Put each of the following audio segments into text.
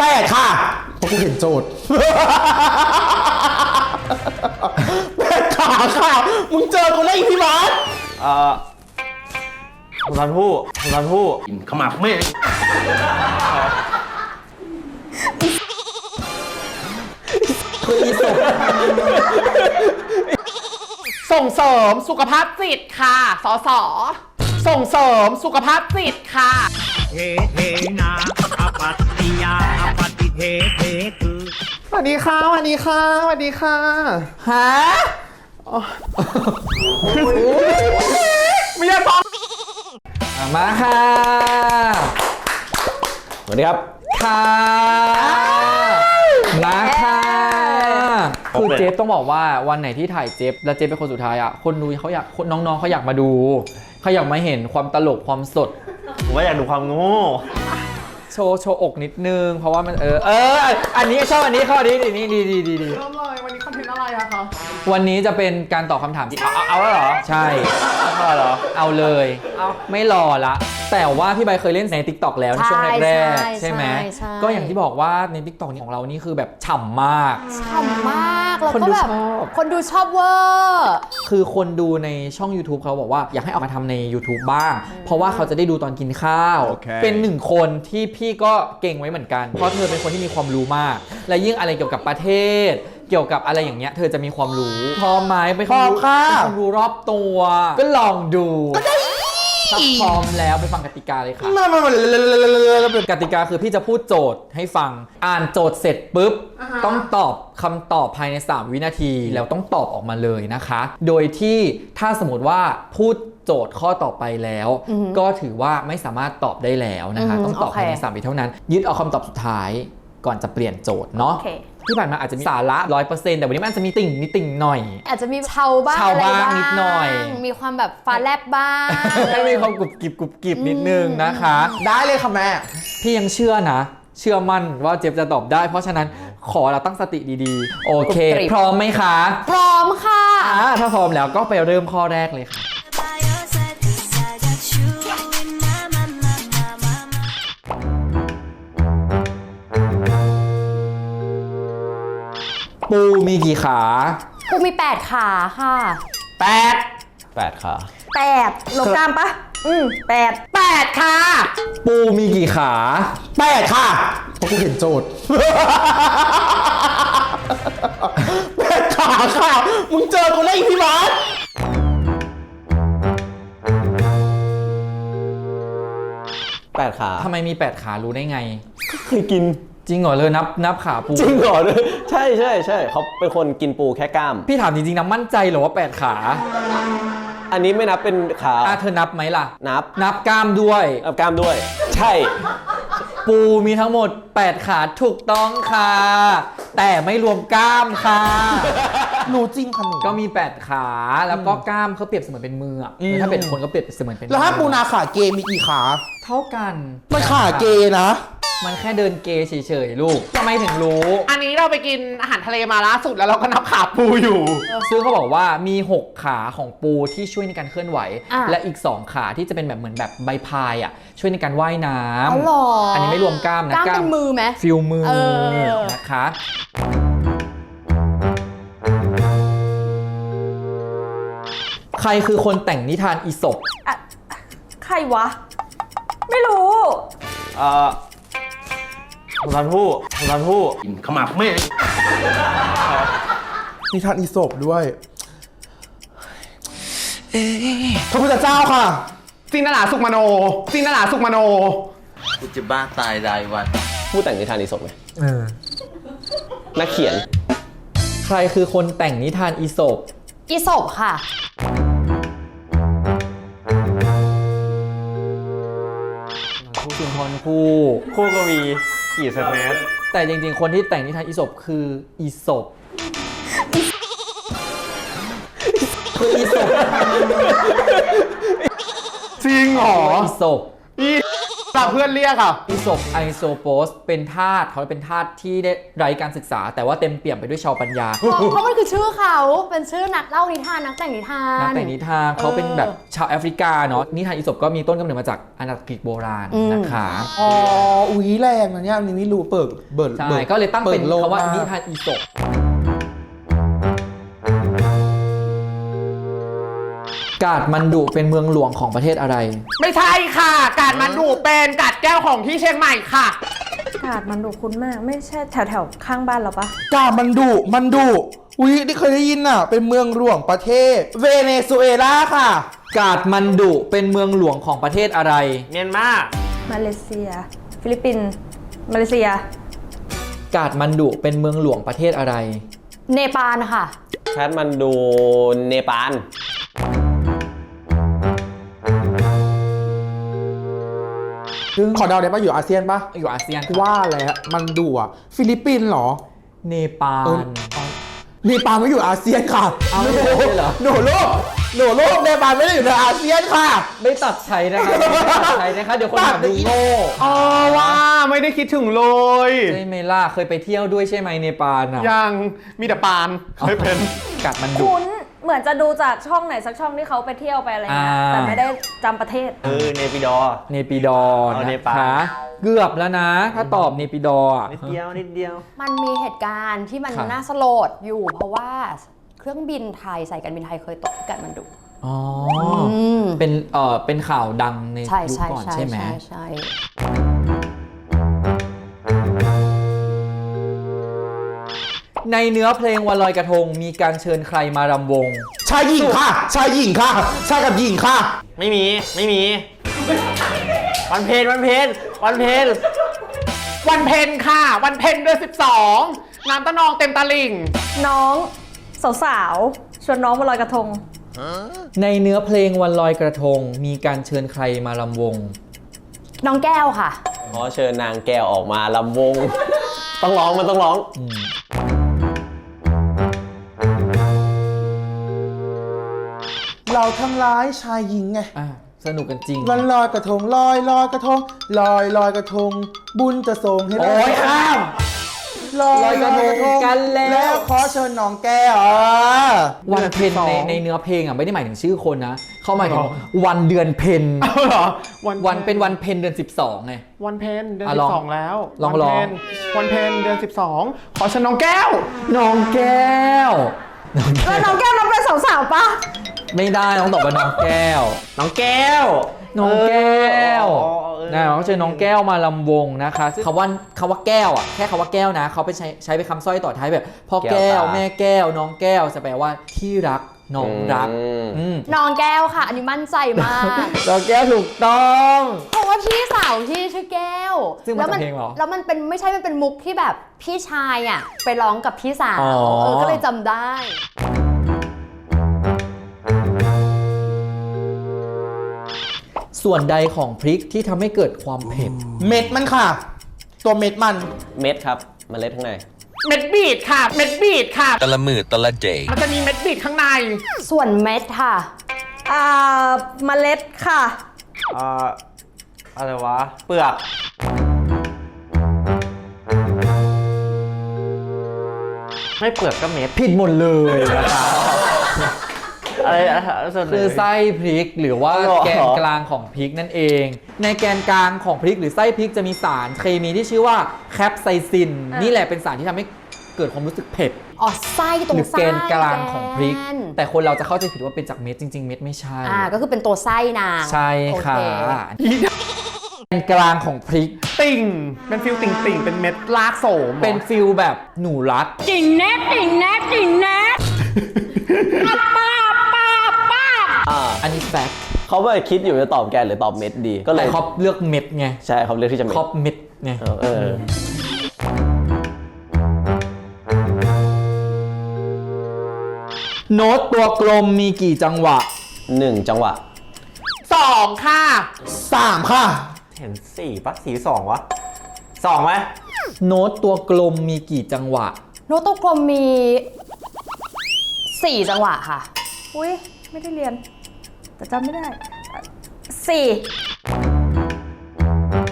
8ค่ะเพราะกูเห็นโจทย์8ขาค่ะมึงเจอกูได้อีกพี่บาสผมทันผู้กินขมับไม่คืออีสส่งเสริมสุขภาพจิตค่ะสสส่งเสริมสุขภาพจิตค่ะเฮเฮนาอปัตติยาอปัตติเทเทคือสวัสดีค่ะสวัสดีค่ะสวัสดีค่ะฮะไม่ยอมฟังมาค่ะสวัสดีครับค่ะมาค่ะคือเจฟต้องบอกว่าวันไหนที่ถ่ายเจฟแล้วเจฟเป็นคนสุดท้ายอ่ะคนดูเขาอยากน้องๆเขาอยากมาดูเขาอยากมาเห็นความตลกความสดผมว่าอยากดูความโง่โชว์อกนิดนึงเพราะว่ามันอันนี้ชอบอันนี้ข้อดีนี่ดีเริ่มเลยวันนี้คอนเทนต์อะไรอะคะวันนี้จะเป็นการตอบคำถามที่เอาแล้วเหรอใช่เอาเหรอเอาเลยไม่รอละแต่ว่าพี่ใบเคยเล่นใน TikTok แล้วในช่วงแรกๆใช่ไหมก็อย่างที่บอกว่าใน TikTok ของเรานี่คือแบบฉ่ำมากแล้วก็แบบคนดูชอบเวอร์คือคนดูในช่อง YouTube เขาบอกว่าอยากให้ออกมาทำใน YouTube บ้างเพราะว่าเขาจะได้ดูตอนกินข้าว เป็นหนึ่งคนที่พี่ก็เก่งไว้เหมือนกันเพราะเธอเป็นคนที่มีความรู้มากและยิ่งอะไรเกี่ยวกับประเทศเกี่ยวกับอะไรอย่างเงี้ยเธอจะมีความรู้พร้อมไหมไปความรู้รอบตัวก็ลองดูถ้าพร้อมแล้วไปฟังกติกาเลยค่ะกติกาคือพี่จะพูดโจทย์ให้ฟังอ่านโจทย์เสร็จปุ๊บต้องตอบคำตอบภายใน3 วินาทีแล้วต้องตอบออกมาเลยนะคะโดยที่ถ้าสมมติว่าพูดโจทย์ข้อต่อไปแล้วก็ถือว่าไม่สามารถตอบได้แล้วนะคะต้องตอบภายใน3 วิเท่านั้นยึดเอาคำตอบสุดท้ายก่อนจะเปลี่ยนโจทย์เนาะที่ผ่านมาอาจจะมีสาระ 100% แต่วันนี้มันจะมีติ่งนิดติ่งหน่อยอาจจะมีเชาบ้างนิดหน่อยมีความแบบฟ้าแลบบ้างให้มีความกรุบกริบนิดนึงนะคะได้เลยค่ะแม่พี่ยังเชื่อมั่นว่าเจฟจะตอบได้เพราะฉะนั้นขอเราตั้งสติดีๆโอเคพร้อมไหมคะพร้อมค่ะถ้าพร้อมแล้วก็ไปเริ่มข้อแรกเลยค่ะปูมีกี่ขาปูมี8ขาค่ะ 8ขา 8ลบกล้ามปะ8ค่ะปูมีกี่ขา 8ค่ะเพราะกูเห็นโจทย์8ขาค่ะมึงเจอกูได้อีกพี่บาส 8ขาทำไมมี8ขารู้ได้ไงเคยกินจริงเหรอเลยนับขาปูจริงเหรอเลยใช่เขาเป็นคนกินปูแค่กล้ามพี่ถามจริงๆนะมั่นใจเหรอว่า8ขาอันนี้ไม่นับเป็นขาเธอนับไหมล่ะนับกล้ามด้วยกล้ามด้วยใช่ปูมีทั้งหมด8ขาถูกต้องค่ะแต่ไม่รวมกล้ามค่ะรู้จริงค่ะหนูก็มี8ขาแล้วก็กล้ามเขาเปรียบเสมือนเป็นมือถ้าเป็นคนก็เปรียบเสมือนเป็นแล้วถ้าปูนาขาเกมีกี่ขาเท่ากันมันขาเกนะมันแค่เดินเกเฉยๆลูกทำไมถึงรู้อันนี้เราไปกินอาหารทะเลมาล่าสุดแล้วเราก็นับขาปูอยู่ซึ่งเขาบอกว่ามี6ขาของปูที่ช่วยในการเคลื่อนไหวและอีก2ขาที่จะเป็นแบบเหมือนแบบใบพายช่วยในการว่ายน้ำอันนี้ไม่รวมกล้ามนะกล้ามเป็นมือไหมฟิลมือนะคะใครคือคนแต่งนิทานอีสปใครวะไม่รู้ผมทันผู้กินขมับไม่นิทานอีสปด้วยพระพุทธเจ้าค่ะจินตลาสุขมโนกูจะบ้าตายรายวันผู้แต่งนิทานอีสปไงนักเขียนใครคือคนแต่งนิทานอีสปค่ะสุนทรภู่ก็มีกี่สแนปแต่จริงๆคนที่แต่งนิทานอีสปคืออีสปจริงเหรออีสปแต่เพื่อนเรียกอ่ะอีสปไอโซโปสเป็นธาตุเขาเป็นธาตุที่ได้ไร้การศึกษา แต่ว่าเต็มเปี่ยมไปด้วยชาวปัญญาเพราะมันคือชื่อเขาเป็นชื่อนักเล่านิทานนักแต่งนิทานนักแต่งนิทานเขาเป็นแบบชาวแอฟริกาเนาะนิทานอีสปก็มีต้นกำเนิดมาจากอาณาจักรกรีกโบราณนะคะอ๋อ อุ้ยแรงนะเนี่ยอันนี้ไม่รู้เบิร์ดใช่ก็เลยตั้งเป็นคำว่านิทานอีสปกาดมันดุเป็นเมืองหลวงของประเทศอะไรไม่ใช่ค่ะ กาดมันดูเป็นกาดแก้วของที่เชียงใหม่ค่ะกาดมันดุคุ้นมาก ไม่ใช่แถวๆข้างบ้านเราปะกาดมันดุอุ้ยนี่เคยได้ยินอ่ะ เป็นเมืองหลวงประเทศ เวเนซุเอลาค่ะกาดมันดุเป็นเมืองหลวงของประเทศอะไรเมียนมามาเลเซีย ฟิลิปปินส์มาเลเซียกาดมันดุเป็นเมืองหลวงประเทศอะไรเนปาลค่ะแคทมันดูเนปาลขอเดาได้ปะอยู่อาเซียนปะอยู่อาเซียนว่าแล้วมันดุอ่ะ ฟิลิปปินส์เหรอเนปาลเนปาลไม่อยู่อาเซียนค่ะเอาไม่ได้เหรอหนูโลกเนปาลไม่ได้อยู่ในอาเซียนค่ะไม่ตัดใช้นะคะไม่ตัดใช้นะคะเดี๋ยวคนถามดูโง่อ๋อว่าไม่ได้คิดถึงเลยใช่ไหมล่ะเคยไปเที่ยวด้วยใช่ไหมเนปาลอ่ะยังมีแต่ปานไม่เป็นกาดมันดุคุ้นเหมือนจะดูจากช่องไหนสักช่องที่เขาไปเที่ยวไปอะไรเงี้ยอ่าแต่ไม่ได้จำประเทศเนปิดอร์เนปิดอร์เอาเนนะปาลคะเกือบแล้วนะ ถ้าตอบเนปิดอร์อะนิดเดียวมันมีเหตุการณ์ที่มันค่ะน่าสลดอยู่ เพราะว่าเครื่องบินไทยสายการบินไทยเคยตกที่กาดมันดุอ๋อมเป็นข่าวดังในใช่ยุคใช่ก่อนใช่ใช่ไหมใช่ในเนื้อเพลงวันลอยกระทงมีการเชิญใครมารำวงชายหญิงค่ะ ชายกับหญิงค่ะไม่มี วันเพนวันเพ็ญค่ะ วันเพ็ญเดือน12 น้ำตะนองเต็มตลิ่งน้องสาวๆชวนน้องมาลอยกระทงในเนื้อเพลงวันลอยกระทงมีการเชิญใครมารำวงน้องแก้วค่ะขอเชิญนางแก้วออกมาลำวง ต้องร้องมันต้องร้องเราทำร้ายชายหญิงไงอ่ะสนุกกันจริงวันลอยกระทงลอยกระทงลอยกระทง บุญจะส่งให้โอ้ยข้ามลอยกระทงกันแล้วขอเชิญน้องแก้ววันเพ็ญในเนื้อเพลงอ่ะไม่ได้หมายถึงชื่อคนนะ เขาหมายถึงวันเดือนเพ็ญเอาเหรอวันเป็นวันเพ็ญเดือน 12ไงวันเพ็ญเดือนอ่ะลอง 12แล้วลองวันเพ็ญเดือน12 ขอเชิญน้องแก้วน้องแก้วแล้วน้องแก้วน้องเป็นสาวๆปะไม่ได้ต้องตอบว่าน้องแก้วน้องแก้วน้องแก้วเออนะเขาเชิญน้องแก้วมาลำวงนะคะซึ่งคำว่าแก้วอ่ะแค่คำว่าแก้วนะเขาไปใช้เป็นคำสร้อยต่อท้ายแบบพ่อแก้วแม่แก้วน้องแก้วจะแปลว่าที่รักน้องรักน้องแก้วค่ะ อันนี้มั่นใจมากน้องแก้วถูกต้องเพราะว่าพี่สาวที่ชื่อแก้วซึ่งมาจากเพลงเหรอแล้วมันเป็นไม่ใช่มันเป็นมุกที่แบบพี่ชายอ่ะไปร้องกับพี่สาวอ๋อก็เลยจำได้ส่วนใดของพริกที่ทำให้เกิดความเผ็ดเม็ดมันค่ะ ตัวเม็ดมันเม็ดครับเมล็ดข้างในเม็ดบีดค่ะ เม็ดบีดค่ะแต่ละมือแต่ละเดย์มันจะมีเม็ดบีดข้างในส่วนเม็ดค่ะเมล็ดค่ะอะไรวะ เปลือก ไม่เปลือกก็เม็ดผิดหมดเลยนะคะอะไรส่วนไหนคือไส้พริกหรือว่าอ๋อเหรอแกนกลางของพริกนั่นเอง ในแกนกลางของพริกหรือไส้พริกจะมีสารเคมีที่ชื่อว่าแคปไซซิน นี่แหละเป็นสารที่ทำให้เกิดความรู้สึกเผ็ดอ๋อไส้ตรหงรือไส้แกนกลางของพริกแกนแต่คนเราจะเข้าใจผิดว่าเป็นจากเม็ดจริง ๆ เม็ดไม่ใช่ก็คือเป็นตัวไส้นางใช่ค่ะโอเคแกนกลางของพริกติ่ง เป็นฟิลติ่งเป็นเม็ดลากโสมเป็นฟิลแบบหนูรัดจริงแน่จริงแน่จริงแน่อันนี้แฟกต์เขาไปคิดอยู่จะตอบแกนหรือตอบเม็ดดี ก็เลแต่ยครอบเลือกเม็ดไงใช่เขาเลือกที่จะเม็ดครอบเม็ดไงเออโน้ตตัวกลมมีกี่จังหวะ 1 จังหวะ 2 ค่ะ 3 ค่ะเห็น4ปะ4 2วะ2ไหมโน้ตตัวกลมมีกี่จังหวะโน้ตตัวกลมมี 4 จังหวะค่ะอุ้ยไม่ได้เรียน แต่จำไม่ได้ 4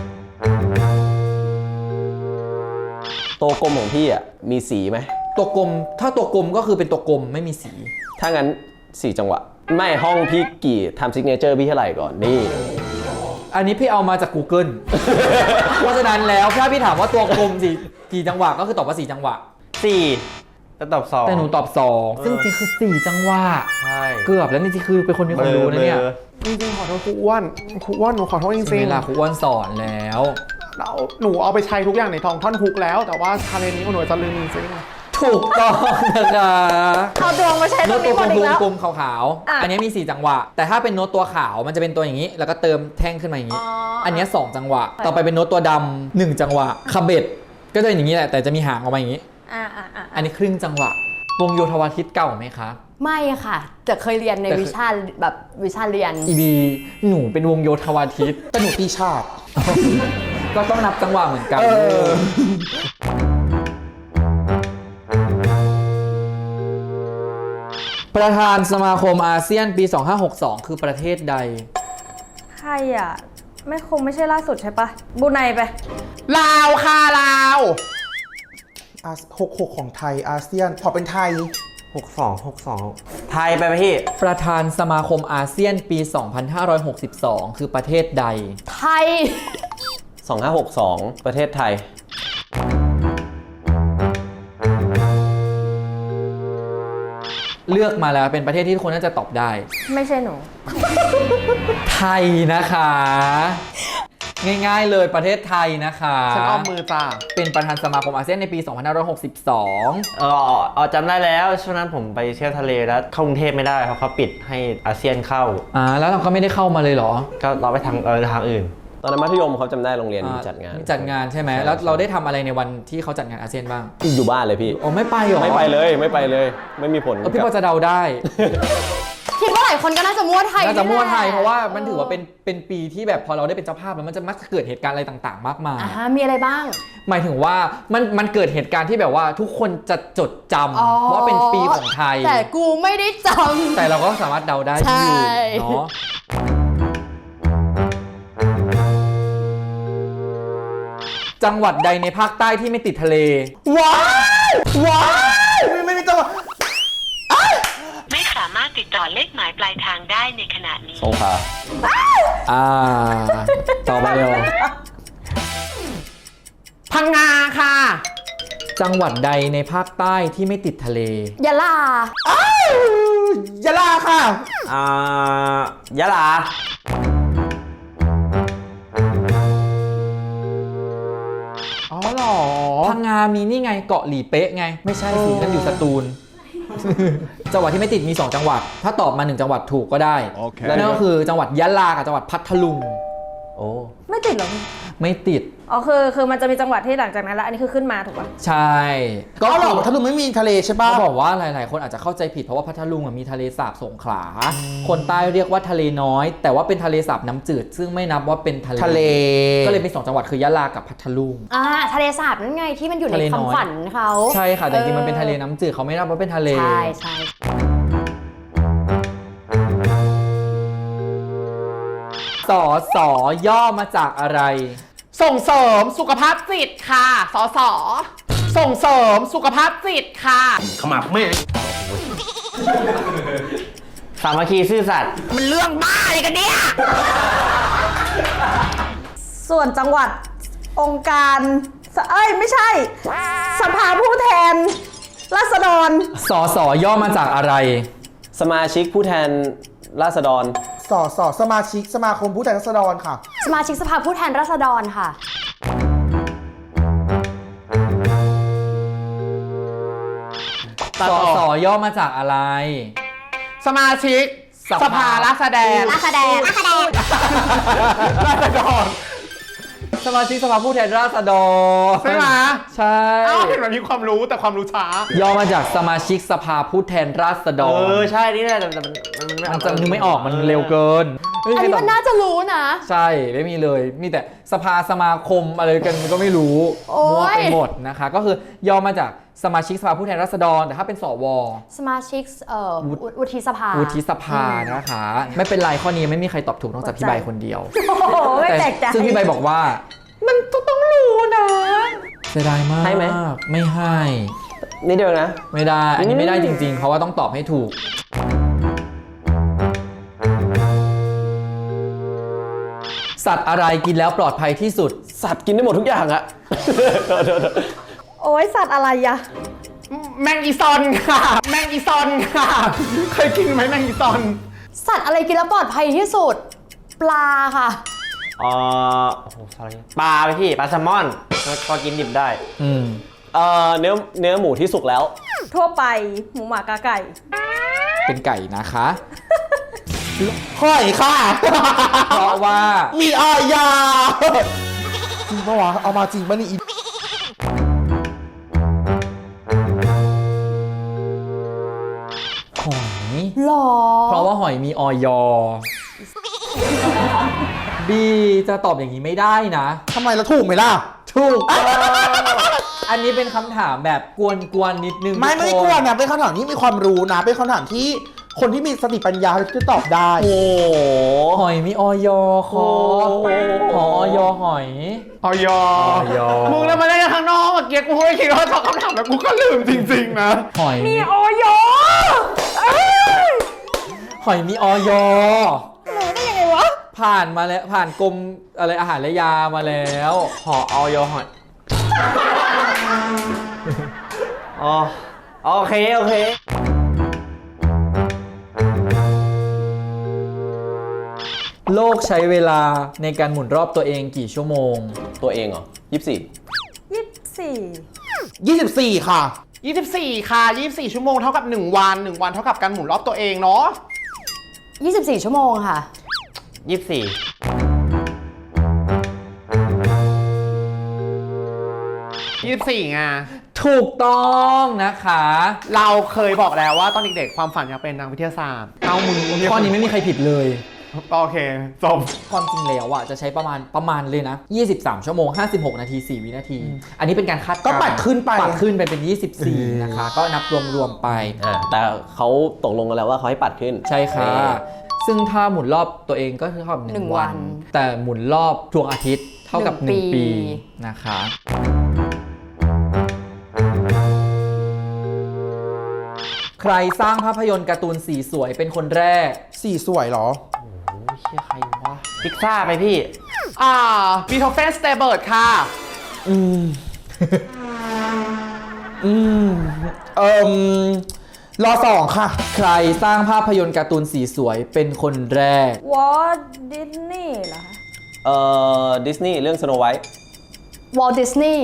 ตัวกลมของพี่อ่ะมีสีไหมตัวกลมถ้าตัวกลมก็คือเป็นตัวกลมไม่มีสีถ้างั้น4จังหวะไม่ห้องพี่กี่ทำซิกเนเจอร์พี่เท่าไหร่ก่อนนี่อันนี้พี่เอามาจาก Google เพราะฉะนั้นแล้วถ้าพี่ถามว่าตัวกลมกี่จังหวะก็คือตอบว่า4จังหวะ 4แล้วตอบ2 แต่หนูตอบ2ซึ่งจริงคือ4จังหวะใช่เกือบแล้วนี่จริงคือเป็นคนมีความรู้นะเนี่ยจริงๆขอโทษครูอ้วนหนูขอโทษจใช่ริงเวลาครูอ้วนสอนแล้วๆหนูเอาไปใช้ทุกอย่างในท่อนฮุกแล้ว แต่ว่าชาเลนจ์นี้หนูจะลืมจริงๆถูกต้องนะคะเอาดวงมาใช้ตโน้รตงตันี้วหมดอีกแล้วกลมๆขาวๆอันนี้มี4จังหวะแต่ถ้าเป็นโน้ตตัวขาวมันจะเป็นตัวอย่างนี้แล้วก็เติมแท่งขึ้นมาอย่างนี้ อันนี้2จังหวะต่อไปเป็นโน้ตตัวดำ1จังหวะคาเบ็ดก็จะอย่างนี้แหละแต่จะมีหางออกมาอย่างนี้ อันนี้ครึ่งจังหวะวงโยธวาทิตเก่าไหมคะไม่ค่ะแต่เคยเรียนในแต่คือวิชาแบบวิชาเรียนอีบีหนูเป็นวงโยธวาทิตแต่หนูตีชาติก็ต้องนับจังหวะเหมือนกันประธานสมาคมอาเซียนปี 2562 คือประเทศใดใครอ่ะ ไม่ใช่ล่าสุดใช่ปะบรูไนไปลาวค่ะลาว66ของไทยอาเซียนขอเป็นไทย 62 ไทยไปไหมพี่ประธานสมาคมอาเซียนปี 2562 คือประเทศใดไทย 2562 ประเทศไทยเลือกมาแล้วเป็นประเทศที่ทุกคนน่าจะตอบได้ไม่ใช่หนูไทยนะคะ ง่ายๆเลยประเทศไทยนะคะฉันอ้อมมือจ้าเป็นประธานสมาคมอาเซียนในปี 2562 จำได้แล้วช่วงนั้นผมไปเที่ยวทะเลแล้วเข้ากรุงเทพไม่ได้เพราะเขาปิดให้อาเซียนเข้าแล้วเราก็ไม่ได้เข้ามาเลยเหรอก็เราไปทางอื่นตอนนั้นมัธยมเขาจำได้โรงเรียนมีจัดงานมีจัดงานใช่ไหมแล้วเราได้ทำอะไรในวันที่เขาจัดงานอาเซียนบ้างอยู่บ้านเลยพี่โอ้ไม่ไปเหรอไม่ไปเลยไม่มีผลพี่พอจะเดาได้คิดว่าหลายคนก็น่าจะมั่วไทยน่าจะมั่วไทยนี่แหลเพราะว่ามันถือว่าเป็นปีที่แบบพอเราได้เป็นเจ้าภาพแล้วมันจะมักจะเกิดเหตุการณ์อะไรต่างๆ มากมายมีอะไรบ้างหมายถึงว่ามันเกิดเหตุการณ์ที่แบบว่าทุกคนจะจดจอ๋อำว่าเป็นปีของไทยแต่กูไม่ได้จแต่เราก็สามารถเดาได้ที่อยู่ใช่เนาะจังหวัดใดในภาคใต้ที่ไม่ติดทะเลว้ายไม่มีจังหวะไม่สามารถติดต่อเลขหมายปลายทางได้ในขณะนี้สงขลาต่อไปเร็วพังงาค่ะจังหวัดใดในภาคใต้ที่ไม่ติดทะเลำยะลายะลาค่ะยะลาอ๋อเหรอพังงามีนี่ไงเกาะหลีเป๊ะไง ไม่ใช่สินั่นอยู่สตูล จังหวัดที่ไม่ติดมี 2 จังหวัด ถ้าตอบมา 1 จังหวัดถูกก็ได้ นั่นก็คือจังหวัดยะลากับจังหวัดพัทลุงโอ้ไม่ติดเหรอไม่ติดอ๋อคือมันจะมีจังหวัดที่หลังจากนั้นแล้ว อันนี้คือขึ้นมาถูกปะใช่ก็หรอถ้าลุงไม่มีทะเลใช่ป่ะเขาบอกว่าหลายๆ คนอาจจะเข้าใจผิดเพราะว่าพัทลุงมีทะเลสาบสงขลา คนใต้เรียกว่าทะเลน้อย แต่ว่าเป็นทะเลสาบน้ำจืด ซึ่งไม่นับว่าเป็นทะเลทะเลก็เลยเป็น2 จังหวัดคือยะลากับพัทลุงทะเลสาบนั่นไงที่มันอยู่ในทะเลน้อยคำขวัญเขาใช่ค่ะแต่จริงๆมันเป็นทะเลน้ำจืดเขาไม่นับว่าเป็นทะเลใช่ใช่สอสอย่อมาจากอะไรส่งเสริมสุขภาพจิตค่ะสสส่งเสริมสุขภาพจิตค่ะขมับแม่สามัคคีซื่อสัตย์มันเรื่องบ้าอะไรกันเนี่ยส่วนจังหวัดองค์การไม่ใช่ สภาผู้แทนราษฎรสอสอย่อมาจากอะไรสมาชิกผู้แทนราษฎรสมาชิกสมาคมผู้แทนราษฎรค่ะสมาชิกสภาผู้แทนราษฎรค่ะสอสอย่อมาจากอะไรสมาชิกสภาราษฎรราษฎรราษฎรสมาชิกสภาผู้แทนราษฎรใช่ไหมใช่เห็นมันมีความรู้แต่ความรู้ช้าย่อมาจากสมาชิกสภาผู้แทนราษฎรใช่นี่แหละแต่มันจะนึกไม่ออกมันเร็วเกินอันนี้มันน่าจะรู้นะใช่ไม่มีเลยมีแต่สภาสมาคมอะไรกันก็ไม่รู้โอ๊ยมั่วไปหมดนะคะ ก็คือย่อมาจากสมาชิกสภาผู้แทนราษฎรแต่ถ้าเป็นสวสมาชิกวุฒิสภาวุฒิสภานะคะ ไม่เป็นไรข้อนี้ไม่มีใครตอบถูกนอกจากพี่ใบคนเดียวโอ้โหไม่แปลกใจซึ่งพี่ใบบอกว่า มันต้องรู้นะเสียดายมากให้ไหมไม่ให้นี่เดียวนะไม่ได้ อันนี้ไม่ได้จริงๆ เพราะว่าต้องตอบให้ถูก สัตว์อะไรกินแล้วปลอดภัยที่สุดสัตว์กินได้หมดทุกอย่างอะโอ้ยสัตว์อะไรอะแมงอีซอนค่ะ แมงอีซอนค่ะ เคยกินไหมแมงอีซอนสัตว์อะไรกินแล้วปลอดภัยที่สุด ปลาค่ะโอ้โหอะไรปลาไปพี่ปลาแซลมอนก็กินดิบได้อืมเนื้อหมูที่สุกแล้วทั่วไปหมูหมากาไก่เป็นไก่นะคะหอยค่ะเพราะว่ามีอายาจริงปะวะ เอามาจริงปะนี่อีหอยหรอเพราะว่าหอยมีออยบีจะตอบอย่างนี้ไม่ได้นะทำไมเราถูกไหมล่ะถูกต้องอันนี้เป็นคำถามแบบกวนๆนิดนึงไม่ทุได้คกลัวนะเป็นคำถามที่มีความรู้นะ เป็นคำถามที่คนที่มีสติปัญญาจะตอบได้โอ้โหหอยมีออยคอหอยหอยออยมึงแล้วมาได้ข้างนอกเมื่อกี้กูไม่คิดว่าตอบคำถามแล้วกูก็ลืมจริงๆนะหอยมีออยเอ้ยหอยมีออยรู้ได้ยังไงวะผ่านมาแล้วผ่านกรมอะไรอาหารและยามาแล้วหอออยหอยอ๋อโอเคโลกใช้เวลาในการหมุนรอบตัวเองกี่ชั่วโมงตัวเองเหรอ 24 24 ค่ะ 24 ค่ะ 24 ชั่วโมงเท่ากับ 1 วัน 1 วันเท่ากับการหมุนรอบตัวเองเนาะ 24 ชั่วโมงค่ะ 24ไงถูกต้องนะคะเราเคยบอกแล้วว่าตอนเด็กๆความฝันอยากเป็นนักวิทยาศาสตร์เอามึงข้อนี้ไม่มีใครผิดเลยโอเคจบความจริงแล้วอ่ะจะใช้ประมาณเลยนะ 23 ชั่วโมง 56 นาที 4 วินาที อันนี้เป็นการคาดการณ์ก็ปัดขึ้นไปปัดขึ้นไปเป็น 24 นะคะ ก็นับรวมๆไปแต่เขาตกลงกันแล้วว่าเขาให้ปัดขึ้นใช่ค่ะ ซึ่งถ้าหมุนรอบตัวเองก็คือเท่ากับหนึ่ง 1 วัวัน น แต่หมุนรอบดวงอาทิตย์เท่ากับหนึ่ง 1 ปีปีนะคะ ใครสร้างภาพยนตร์การ์ตูนสีสวยเป็นคนแรกสีสวยเหรอเชี่ยใครวะพิกซ่าไปพี่บีโธเฟนสเตเบิร์ดค่ะรอ2 ค่ะใครสร้างภาพยนตร์การ์ตูนสีสวยเป็นคนแรกวอลดิสนีย์เหรอคะดิสนีย์เรื่องสโนไวท์วอลดิสนีย์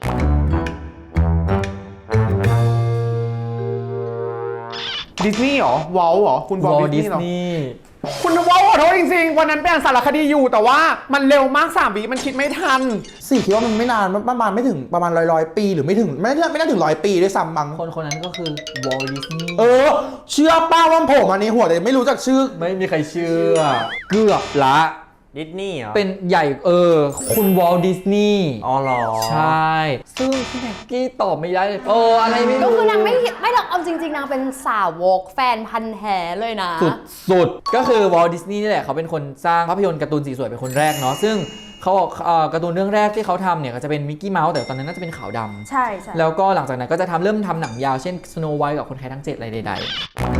ดิสนีย์เหรอวอลเหรอ คุณวอล Walt ดิสนีย์เหรอ Disney คุณวอลขอโทษจริงๆ วันนั้นเป็นสารคดีอยู่แต่ว่ามันเร็วมาก3 วิมันคิดไม่ทันสี่คิดว่ามันไม่นานประมาณไม่ถึงประมาณร้อยปีหรือไม่ถึงไม่น่าถึง100 ปีด้วยซ้ำมั้งคนนั้นก็คือ Walt Disney เชื่อป้าว่าผมอันนี้หัวแต่ไม่รู้จักชื่อไม่มีใครเชื่อ เกือบละดิสนีย์เหรอเป็นใหญ่คุณวอลดิสนีย์อ๋อเหรอใช่ ซึ่งพี่แม็กกี้ตอบไม่ได้เลยอะไรไม่ก็รู้คือนางไม่หรอกเอาจริงๆนางเป็นสาวกแฟนพันธ์แท้เลยนะสุดก็คือวอลดิสนีย์นี่แหละเขาเป็นคนสร้างภาพยนตร์การ์ตูนสีสวยเป็นคนแรกเนาะซึ่งเขาบอกการ์ตูนเรื่องแรกที่เขาทำเนี่ยก็จะเป็นมิกกี้เมาส์แต่ตอนนั้นน่าจะเป็นขาวดำใช่ใช่แล้วก็หลังจากนั้นก็จะเริ่มทำหนังยาวเช่น Snow White กับคนไทยทั้ง 7 อะไรใดๆ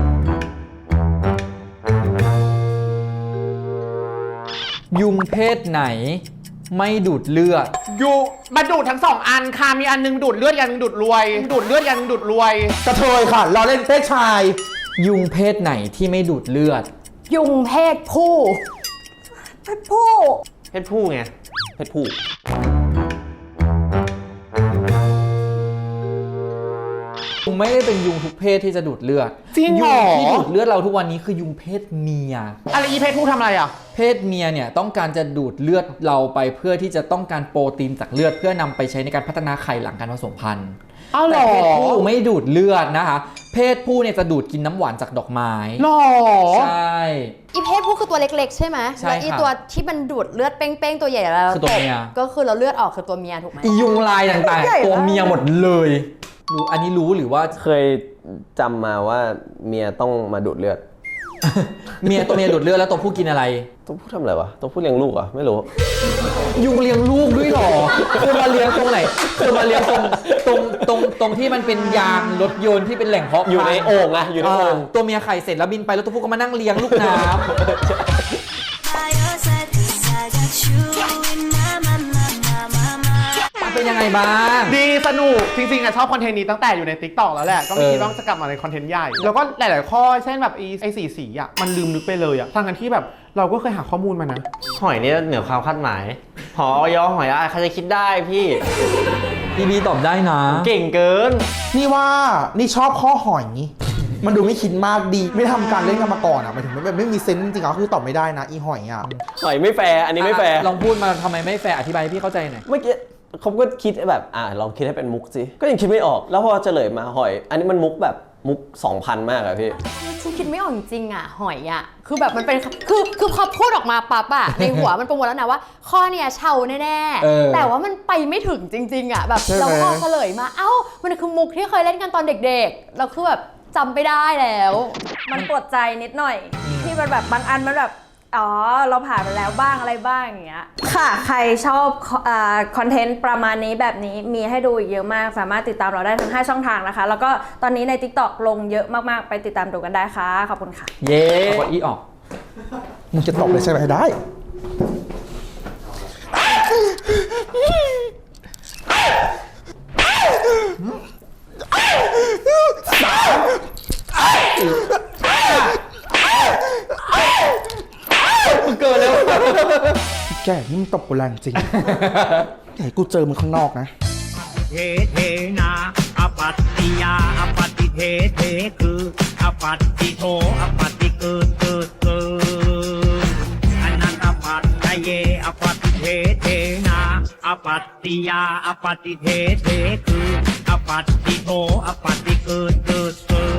ยุงเพศไหนไม่ดูดเลือดอยู่มาดูดทั้ง 2 อันค่ะ มีอันนึงดูดเลือดอันนึงดูดรวย ดูดเลือดอันนึงดูดรวยกระเทยค่ะรอเล่นเพศชายยุงเพศไหนที่ไม่ดูดเลือดยุงเพศผู้เพชรผู้เพศผู้ไงเพศผู้ยุงไม่ได้เป็นยุงทุกเพศที่จะดูดเลือดจริงเหรอยุงที่ดูดเลือดเราทุกวันนี้คือยุงเพศเมียอะไรอีเพศผู้ทำอะไรอ่ะเพศเมียเนี่ยต้องการจะดูดเลือดเราไปเพื่อที่จะต้องการโปรตีนจากเลือดเพื่อนำไปใช้ในการพัฒนาไข่หลังการผสมพันธุ์อ้าวเหรแต่อเพศผู้ไม่ดูดเลือดนะคะ เพศผู้เนี่ยจะดูดกินน้ำหวานจากดอกไม้หรอใช่อีเพศผู้คือตัวเล็กๆ ใช่ไหมใช่แล้วอีค่ะตัวที่มันดูดเลือดเป้งๆตัวใหญ่แล้วคือตัวเมียก็คือเราเลือดออกคือตัวเมียถูกไหมอียุงลายต่างๆตัวเมียหมดเลยรู้อันนี้รู้หรือว่าเคยจำมาว่าเมียต้องมาดูดเลือดเมียตัวเมียดูดเลือดแล้วตัวผู้กินอะไรตัวผู้ทำอะไรวะตัวผู้เลี้ยงลูกเหรอ่ะไม่รู้ยุงเลี้ยงลูกด้วยเหรอคือมาเลี้ยงตรงไหนคือมาเลี้ยงตรงที่มันเป็นยางรถยนต์ที่เป็นแหล่งเพาะอยู่ในโอ่งอะอยู่ในโอ่งตัวเมียไข่เสร็จแล้วบินไปแล้วตัวผู้ก็มานั่งเลี้ยงลูกน้ำเป็นยังไงบ้างดีสนุกจริงๆอะชอบคอนเทนต์นี้ตั้งแต่อยู่ใน TikTok แล้วแหละก็ไม่คิดว่าจะกลับมาในคอนเทนต์ใหญ่แล้วก็หลายๆข้อเช่นแบบไอ้สีอะมันลืมนึกไปเลยอะทั้งกันที่แบบเราก็เคยหาข้อมูลมานะหอยนี่เหนือความคาดหมายหอยอหอยอะไรใครจะคิดได้พี่พี่บีตอบได้นะเก่งเกินนี่ว่านี่ชอบข้อหอยนี้ มันดูไม่คิดมากดี ไม่ทำการเล่นกันมาก่อนอ่ะหมายถึงแบบไม่มีเซนส์จริงๆอ่ะคือตอบไม่ได้นะอีหอยอ่ะหอยไม่แฟร์อันนี้ไม่แฟร์ลองพูดมาทำไมไม่แฟร์อธิบายให้พี่เข้าใจหน่อยเมื่อกี้เขาก็คิดแบบลองคิดให้เป็นมุกสิก็ยังคิดไม่ออกแล้วพอเฉลยมาหอย อันนี้มันมุกแบบมุก 2,000 มากอะพี่ฉันคิดไม่ออกจริงๆอ่ะหอยอ่ะคือแบบมันเป็นคือพอพูดออกมาปั๊บอ่ะ ในหัวมันประมวลแล้วนะว่า ข้อเนี้ยเชาแน่ๆแต่ว่ามันไปไม่ถึงจริงๆอ่ะแบบเราพอเฉลยมาเอ้ามันคือมุกที่เคยเล่นกันตอนเด็กๆเราคือแบบจำไม่ได้แล้วมันปวดใจนิดหน่อย ที่มันแบบบางอันมันแบบอ๋อเราผ่านไปแล้วบ้างอะไรบ้างอย่างเงี้ยค่ะใครชอบคอนเทนต์ประมาณนี้แบบนี้มีให้ดูอีกเยอะมากสามารถติดตามเราได้ทั้ง5ช่องทางนะคะแล้วก็ตอนนี้ใน TikTok ลงเยอะมากๆไปติดตามดูกันได้ค่ะขอบคุณค่ะเย้กดอีออกมึงจะตอบเลยใช่ไหมได้เกินแล้วแกนี่มึงตบกูแรงจริง ไหนกูเจอมึงข้างนอกนะเทเทนาอปัตติยาอปัตติเทเทคืออปัตติโทอปัตติเกิดเกิดเกิดอนันตปัตตเยอปัตติเทเทนาอปัตติยาอปัตติเทเทคืออปัตติโทอปัตติเกิดเกิดเกิด